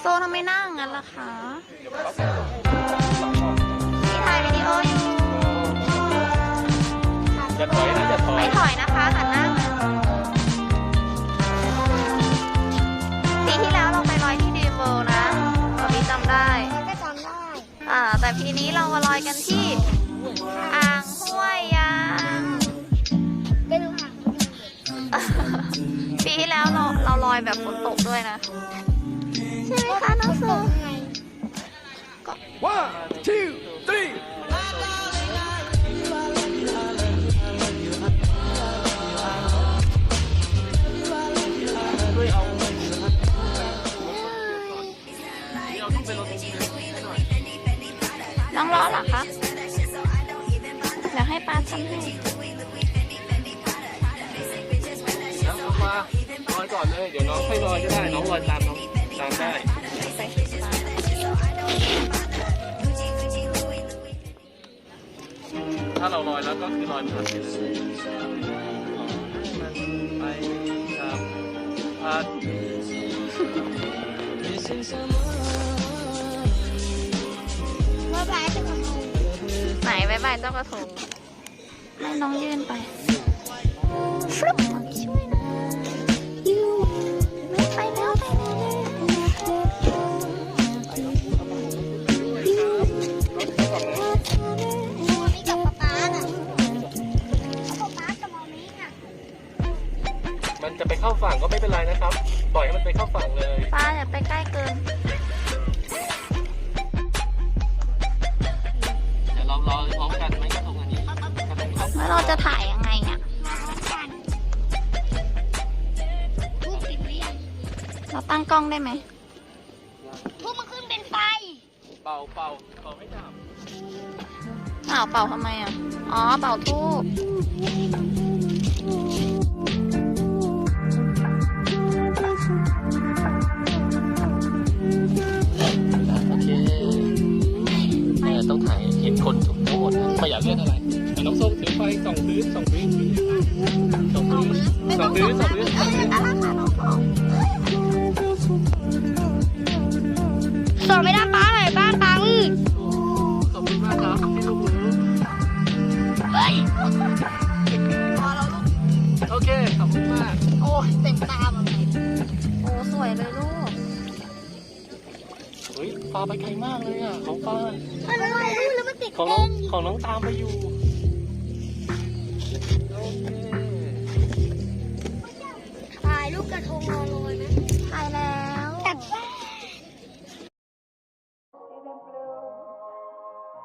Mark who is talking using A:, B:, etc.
A: โซทำไมนั่งงั้นล่ะคะพี่ถ่ายวิดีโออยู่
B: จะถอยนะจะถอย
A: ไม่ถอยนะคะหันหน้าปีที่แล้วเราไปลอยที่ดีเวิลด์นะตอนนี้จำได้
C: ก็จำได้
A: แต่ปีนี้เรามาลอยกันที่อ่างห้วยยาง
C: ไม่รู้ค่ะ
A: ปีที่แล้วเราลอยแบบฝนตกด้วยนะใช่ไหมคะน้องโซ
B: 1 2 3
A: น้องร้อนเหรอคะเดี๋ยวให้ป้าทำให้
B: แล้วเอามาลอยก่อนเลยเดี๋ยวน้องค่อยลอยก็ได้น้องลอยตามน้องตามได้ถ้าเราลอยแล้วก็คือลอยผ่านไปเลยไปครับผ่าน
C: บ๊ายบายจะทำไม
A: ไหนบายบายเจ้ากระทงให้น้องยื่นไปฟลุ๊ปช่วยนะไปแล้วไปแล้ว
C: นี่กับป๊าน่ะป๊ากับมามี่น่ะ
B: มันจะไปเข้าฝั่งก็ไม่เป็นไรนะครับปล่อยให้มันไปเข้าฝั่งเลย
A: ป้าอย่าไปใกล้เกิน
B: เดี๋ยวเรารอพร้อมกันไหมกระทงอันนี้
A: แล้วเราจะถ่ายยังไงเนี่ยเราตั้งกล้องได้ไหม
C: ทุกมันขึ้นเป็นไฟ
B: เป่าไม่ดับ
A: เป่าทำไมอ่ะอ๋อเป่าทูบ
B: โอเคต้องถ่ายเห็นคนทั้งหมดไม่อยากเล่นอะไรน้องส้มถือไฟส่องพื้นส
C: อนไม่ได้ป้าเลยป้าปัง
B: ขอบคุณมากครับที่ลูกมือโอเคขอบคุณมาก
C: โอ้เต็มตาหมดเลย
A: โอ้สวยเลยลูก
B: เฮ้ยปลาไปไกลมากเลยอ่ะของปลา
C: อะไรแล้วมันติด
B: ของน้องตามไปอยู่
C: ถ่ายรูปกระทงรอ